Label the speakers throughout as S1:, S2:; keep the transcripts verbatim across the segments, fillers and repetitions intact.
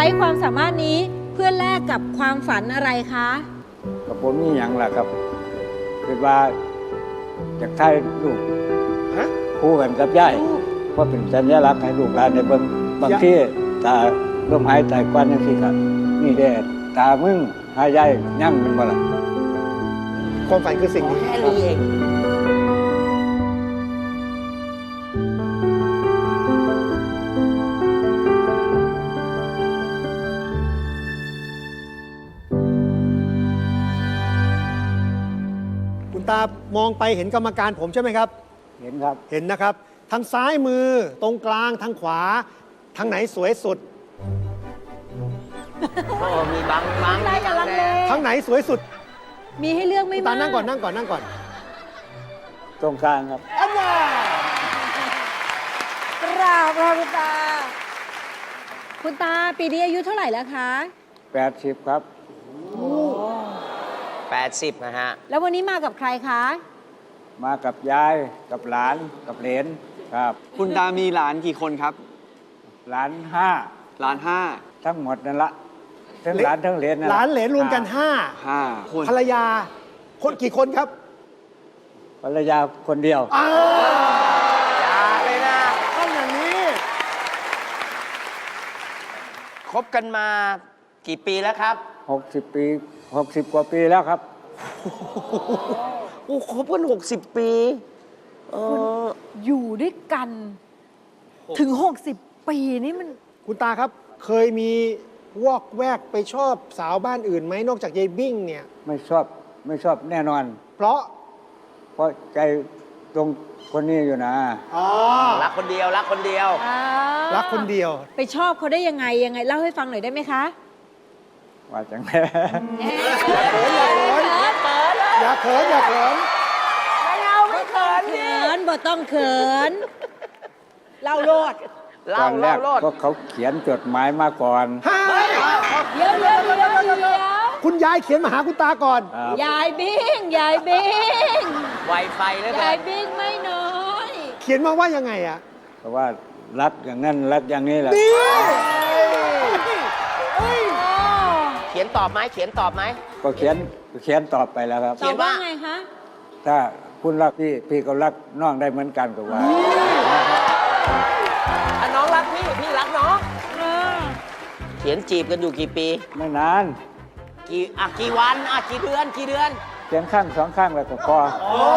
S1: ความสามารถนี้เพื่อแลกกับความฝันอะไรคะ
S2: กับผมนี่อย่างล่ะครับคือว่าจากไทยลูกคู่กันกับย่ายเพราะเป็นสัญลักษณ์ให้ลูกหลานในเบิ่งบางที่ตาลมหายใจกว้านยังสิครับนี่แดดตามึงหายใจยั่งมันบ่ล่ะ
S3: ความฝันคือสิ่งนี้
S4: แค่นี้เอง
S3: คุณตามองไปเห็นกรรมการผมใช่ไหมครับ
S2: เห็นครับ
S3: เห็นนะครับทางซ้ายมือตรงกลางทางขวาทางไหนสวยสุด
S4: โอ้มีบางบาง
S1: อะไรกับลังเล
S3: ทางไหนสวยสุด
S1: มีให้เลือกไม่มาก
S3: ตานั่งก่อนนั่งก่อนนั่งก่อน
S2: ตรงกลางครับ
S3: อันน่ะ
S1: กราบค่ะคุณตาคุณตาปีนี้อายุเท่าไหร่แล้วคะ
S2: แปดสิบครับ
S4: แปดสิบนะฮะ
S1: แล้ววันนี้มากับใครคะ
S2: มากับยายกับหลานกับเหลนครับ
S5: คุณตามีหลานกี่คนครับ
S2: หลานห้า
S5: หลานห้า
S2: ทั้งหมดนั่นละทั้งหลานทั้งเหลนนั่น
S3: หลานเหลนรวมกันห้า
S5: ห้าคน
S3: ภรรยาคนกี่คนครับ
S2: ภรรยาคนเดียว
S3: อ้าว
S4: อย่าเลยนะ
S3: ต้องอย่างนี้
S4: คบกันมากี่ปีแล้วครับ
S2: หกสิบปีหกสิบกว่าปีแล้วครับ
S4: โอ้คบกันหกสิบปีเออ
S1: อยู่ด้วยกันถึงหกสิบปีนี่มัน
S3: คุณตาครับเคยมีวอกแวกไปชอบสาวบ้านอื่นไหมนอกจากยายบิ้งเนี่ย
S2: ไม่ชอบไม่ชอบแน่นอน
S3: เพราะ
S2: เพราะใจตรงคนนี้อยู่นะ
S3: อ๋อ
S4: รักคนเดียวรักคนเดียว
S3: รักคนเดียว
S1: ไปชอบเขาได้ยังไงยังไงเล่าให้ฟังหน่อยได้ไหมคะ
S2: ว่าจังไง
S3: อย่าเขินอย่าเขิน
S1: ไม่เอาไม่เขินเขินบ่ต้องเขินเล่าโลด
S2: ตอนแรกก็เขาเขียนจดหมายมาก่อน
S1: เดี๋ยวเดี๋ยวเดี๋ยวเดี๋ยว
S3: คุณยายเขียนมาหาคุณตาก่อน
S1: ยายบิ้งยายบิ้ง
S4: ไวไฟเลย
S1: ยายบิ้งไม่น้อย
S3: เขียนมาว่ายังไงอะ
S2: เพราะว่ารักอย่างนั้นรักอย่างนี้แหละ
S4: เขียนตอบไหมเขียนตอบไหม
S2: ก็เขียนเขียนตอบไปแล้วครับ
S1: ตอบว่าไงคะ
S2: ถ้าคุณรักพี่พี่ก็รักน้องได้เหมือนกันกับว่า
S4: ถ้าน้องรักพี่พี่รักน้องเขียนจีบกันอยู่กี่ปี
S2: ไม่นาน
S4: กี่อ่ะกี่วันอ่ะกี่เดือนกี่เดือน
S2: เขียนข้างสองข้างแล้วก็พอ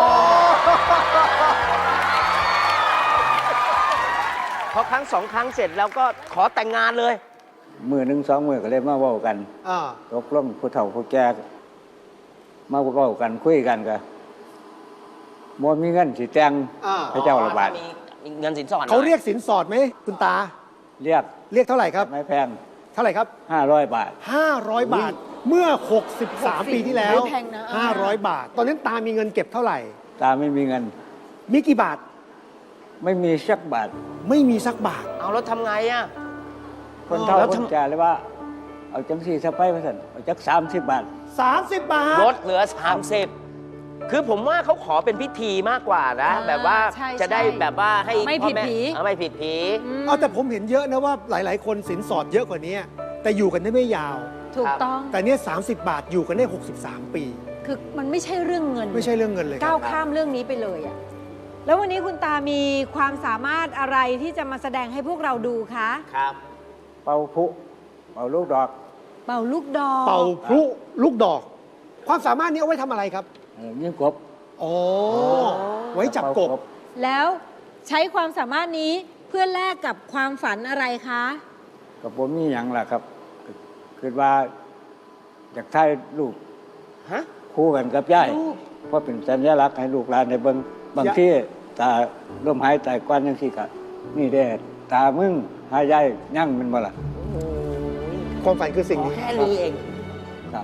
S4: พอครั้งสองครั้งเสร็จแล้วก็ขอแต่งงานเลย
S2: มือหนึ่งสองมือก็เลยมาเว้ากันตกลงผู้เฒ่าผู้แก่มาเว้ากันคุยกันกันบ่มีเงินสิแต่งพระเจ้าระบาด
S4: มีเงินสินสอด
S3: เขาเรียกสินสอดไหมคุณตา
S2: เรียก
S3: เรียกเท่าไหร่ครับ
S2: ไม่แพง
S3: เท่าไหร่ครับ
S2: ห้าร้อยบาท
S3: ห้าร้อยบาทเมื่อหกสิบสามปีที่แล้วห้าร้อยบาทตอนนั้นตามีเงินเก็บเท่าไหร่
S2: ตาไม่มีเงิน
S3: มีกี่บาท
S2: ไม่มีสักบาท
S3: ไม่มีสักบาท
S4: เอาแล้วทำไงอ่ะ
S2: คนเฒ่าคนแก่เลยว่าเอาจังสี่สะไปมาสั่นเอาจักสามสิบบาท
S3: สามสิบบาท
S4: ลดเหลือสามสิบคือผมว่าเขาขอเป็นพิธีมากกว่านะแบบว่าจะได้แบบว่าให้
S1: ไม่ผิดผี
S4: ไม่ผิดผี
S3: เอาแต่ผมเห็นเยอะนะว่าหลายๆคนสินสอดเยอะกว่านี้แต่อยู่กันได้ไม่ยาว
S1: ถูกต้อง
S3: แต่เนี้ยสามสิบบาทอยู่กันได้หกสิบสามปี
S1: คือมันไม่ใช่เรื่องเงิน
S3: ไม่ใช่เรื่องเงินเลย
S1: ก้าวข้ามเรื่องนี้ไปเลยอ่ะแล้ววันนี้คุณตามีความสามารถอะไรที่จะมาแสดงให้พวกเราดูคะ
S4: ครับ
S2: เป่าพลุเป่าลูกดอก
S1: เป่าลูกดอก
S3: เป่าพลุลูกดอกความสามารถนี้เอาไว้ทำอะไรครับ
S2: ยิงกบ
S3: อ๋อไว้จับกบ
S1: แล้วใช้ความสามารถนี้เพื่อแลกกับความฝันอะไรคะ
S2: กับผมนี่อย่างล่ะครับคือว่าจากไทยลูกคู่กันกับย่ายเพราะเป็นสัญลักษณ์ให้ลูกหลานในเบิ่งบางที่ตาลมหายใจกว้านยังสิกะนี่แดดตามึงหายใจยั่งมันบ่ล่ะ
S3: ความฝันคือสิ่งนี้
S4: แค่นี้เอง
S2: ครับ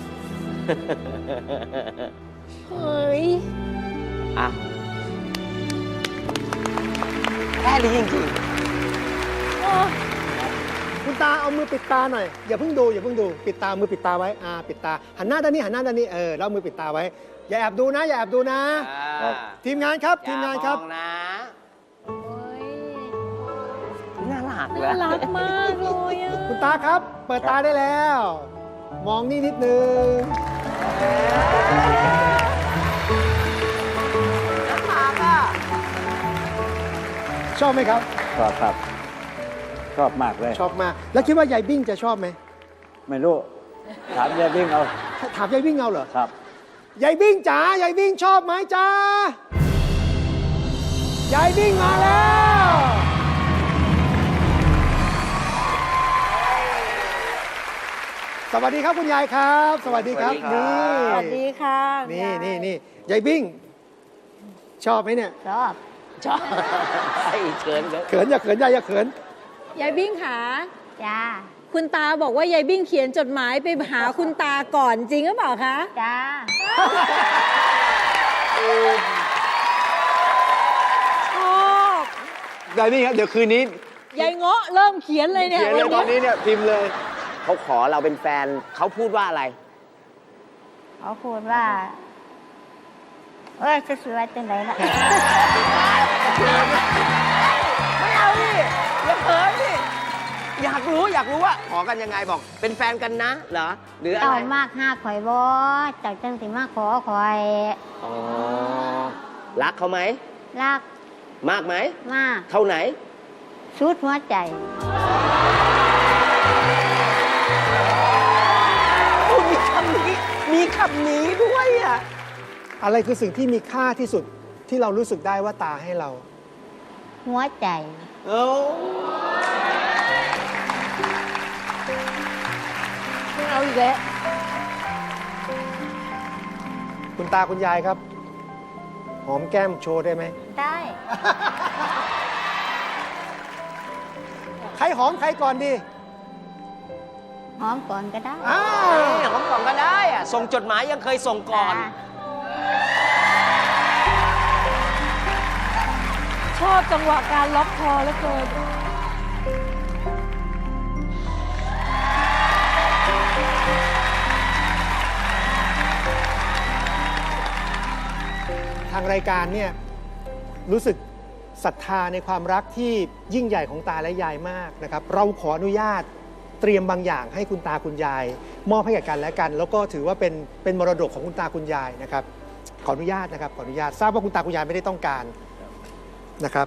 S1: เฮ้ย
S4: อ่ะแค่นี้จริง
S3: ๆคุณตาเอามือปิดตาหน่อยอย่าเพิ่งดูอย่าเพิ่งดูปิดตามือปิดตาไว้อ่าปิดตาหันหน้าด้านนี้หันหน้าด้านนี้เออแล้วมือปิดตาไว้อย่าแอบดูนะอย่าแอบดูนะทีมงานครับทีมงานครับ
S4: นะน่ารักาก
S1: น่า
S4: แล้ว
S1: รักมากเลยอะ
S3: คุณตาครับ เปิดตาได้แล้ว มองนี่นิดนึง ชอบไหมครับ
S2: ชอบครับ ชอบมากเลย
S3: ชอบมาก แล้วคิดว่ายายบิ้งจะชอบไหม
S2: ไม่รู้ ถามยายวิ่งเอา
S3: ถามยายบิ้งเอาเหรอ
S2: ครับ
S3: ยายบิ้งจ๋ายายบิ้งชอบไหมจ๋ายายบิ้งมาแล้ว สวัสดีครับคุณยายครับ สวัสดีครับ
S4: สวัสดีครับ
S3: นี่
S1: สวัสดีค่ะ
S3: นี่นี่นี่ยายบิ้งชอบไหมเนี่ย
S1: ชอบ
S4: ชอบไอ้เชิญครับ
S3: เขินอย่าเขินยายอย่าเขิน
S1: ยายบิ้งค่ะ
S6: จ้า
S1: คุณตาบอกว่ายายบิ้งเขียนจดหมายไปหาคุณตาก่อนจริงหรือเปล่าคะ
S6: จ้า
S1: ชอบ
S5: ได้นี่ครับ เดี๋ยวคืนนี้
S1: ยายเงาะเริ่มเขียนเลยเนี่ย
S5: เขียนเลยตอนนี้เนี่ยพิมพ์เลย
S4: เขาขอเราเป็นแฟนเขาพูดว่าอะไร
S6: เขาพูดว่า เอ้ยจะสวยจังไหนล่ะ
S4: ไม่เอาดิอย่าเขินดิอยากรู้อยากรู้ว่าขอกันยังไงบอก เป็นแฟนกันนะเหรอหรืออะไร
S6: เจ้ามากห้าข่อยบ่เจ้าจังสิมาขอข่อย
S4: อ๋อรักเขาไหม
S6: รัก
S4: มากไหม
S6: มาก
S4: เท่าไหน
S6: สุดหัวใจ
S4: โอ้มีคำนี้มีคำนี้ด้วยอ่ะ
S3: อะไรคือสิ่งที่มีค่าที่สุดที่เรารู้สึกได้ว่าตาให้เรา
S6: หัวใจ
S4: เอ้า
S1: ไม่เอาอีกแล้ว
S3: คุณตาคุณยายครับ หอมแก้มโชว์ได้ไหม
S6: ได้
S3: ใครหอมใครก่อนดี
S6: หอมก่อนก็ได้
S3: อ้า
S4: เอ้ยของก่อนก็ได้อ่ะส่งจดหมายยังเคยส่งก่อน
S6: จ้า
S1: ชอบจังหวะการล็อกคอแล้วเกิน
S3: ทางรายการเนี่ยรู้สึกศรัทธาในความรักที่ยิ่งใหญ่ของตาและยายมากนะครับ เราขออนุญาตเตรียมบางอย่างให้คุณตาคุณยาย มอบให้กับกันและกัน แล้วก็ถือว่าเป็นเป็นมรดกของคุณตาคุณยายนะครับ ขออนุญาตนะครับขออนุญาตทราบว่าคุณตาคุณยายไม่ได้ต้องการนะครับ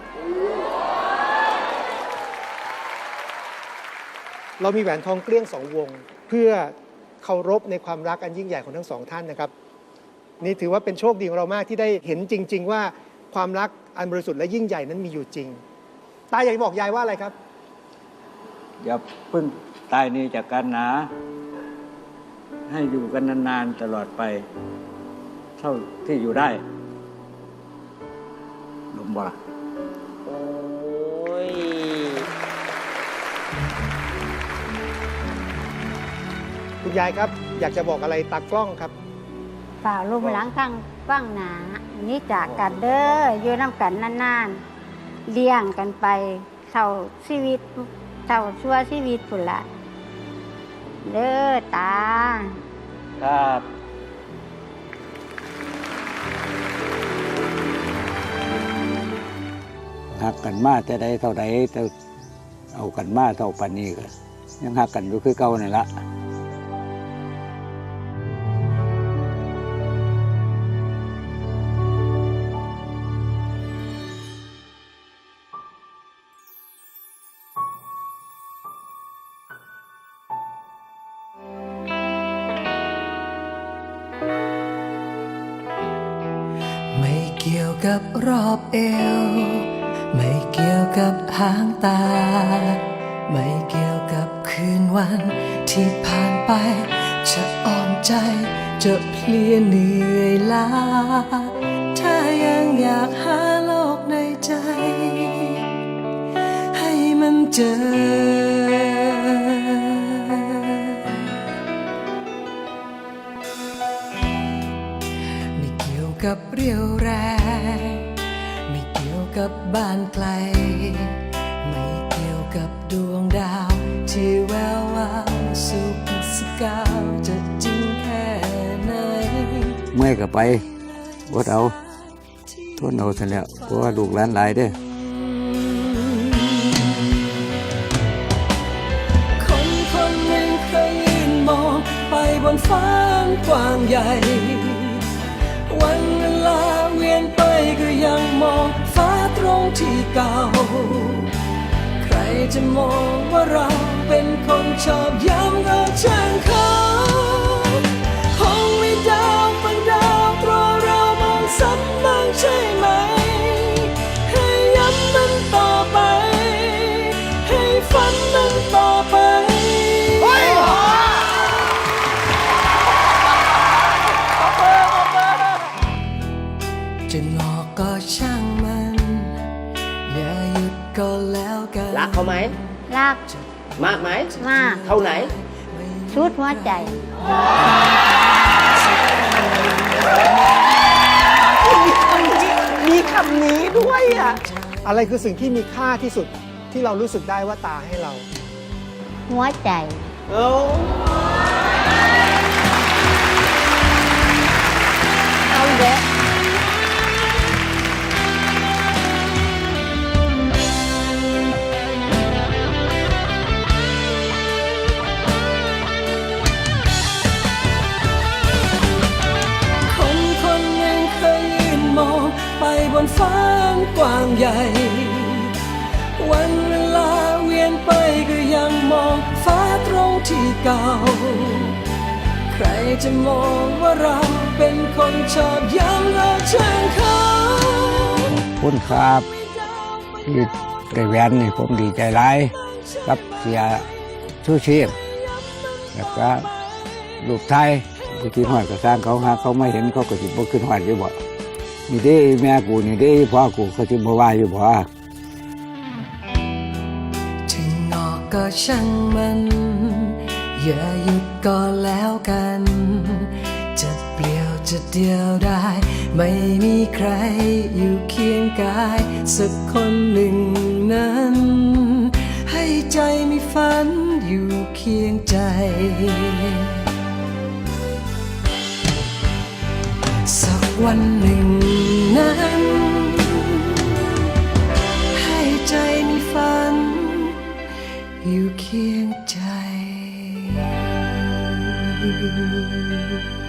S3: เรามีแหวนทองเกลี้ยงสองวง เพื่อเคารพในความรักอันยิ่งใหญ่ของทั้งสองท่านนะครับ นี่ถือว่าเป็นโชคดีของเรามากที่ได้เห็นจริง ๆ ว่าความรักอันบริสุทธิ์และยิ่งใหญ่นั้นมีอยู่จริง ตาอยากจะบอกยายว่าอะไรครับ
S2: อย่าเพิ่งตายนี้จากกันนะ ให้อยู่กันนานๆตลอดไป เท่าที่อยู่ได้ลมบ่ล่ะ
S4: โอ้ย
S3: คุณยายครับ อยากจะบอกอะไรตากล้องครับ
S6: ฝ่าลุ่มหลังข้างฟังหนานี่จากกันเด้ออยู่น้ำกันนานๆเลี้ยงกันไปเท่าชีวิตเท่าชั่วชีวิตพุ่นละเด้อตา
S2: ครับหักกันมาแต่ใดเท่าใดแต่เอากันมาเท่าปานนี้ก็ยังหักกันอยู่คือเก่านั่นละ
S7: ไม่เกี่ยวกับรอบเอว ไม่เกี่ยวกับหางตา ไม่เกี่ยวกับคืนวันที่ผ่านไป จะอ่อนใจจะเพลียเหนื่อยล้า ถ้ายังอยากหาโลกในใจ ให้มันเจอ ไม่เกี่ยวกับเรี่ยวแรง ไม่เกี่ยวกับบ้านไกล ไม่เกี่ยวกับดวงดาวที่แวววาวสุขสกาวจะจริงแค่ไหน
S2: เมื่อยก็ไปอดเอาทนเอาซะแล้วเพราะว่าลูกหลานหลายเด้อ
S7: ฟ้าอันกว้างใหญ่ วันเวลาเวียนไปก็ยังมองฟ้าตรงที่เก่า ใครจะมองว่าเราเป็นคนชอบย้ำเอาช่างเขาคงมีดาวบางดาวรอเรามองซ้ำบ้างใช่ไหม ให้ย้ำมันต่อไป ให้ฝันมันต่อไป จะงอกก็ช่างมัน อย่าหยุดก็แล้วกัน
S4: รักเขาไหม
S6: รัก
S4: มากไหม
S6: มาก
S4: เท่าไหน
S6: ชุดหัวใจ
S4: มีคำนี้ด้วยอ่ะ
S3: อะไรคือสิ่งที่มีค่าที่สุดที่เรารู้สึกได้ว่าตาให้เรา
S6: หัวใจ
S4: โอ้
S6: เอาเด้อ
S7: คนคนหนึ่งเคยยืนมองไปบนฟ้าอันกว้างใหญ่ วันเวลาเวียนไปก็ยังมองฟ้าตรงที่เก่า ใครจะมองว่าเราเป็นคนชอบย้ำเอาช่างเขา
S2: คุณครับที่ได้แหวนนี่ผมดีใจร้ายกับเสียชูชีพแล้วก็ลูกไทยกูคิดหอดก็สร้างเขาหาเขาไม่เห็นเขาก็สิบ่ขึ้นหอดอยู่บ่นี่เด้แม่กูนี่เด้พ่อกูเขาสิบ่ว่าอยู่บ่
S7: ถึงงอกก็ช่างมัน อย่าหยุดก็แล้วกัน จะเปลี่ยวจะเดียวได้ ไม่มีใครอยู่เคียงกาย สักคนหนึ่งนั้น ให้ใจมีฝันอยู่เคียงใจ สักวันหนึ่งนั้น ให้ใจมีฝันอยู่เคียงใจ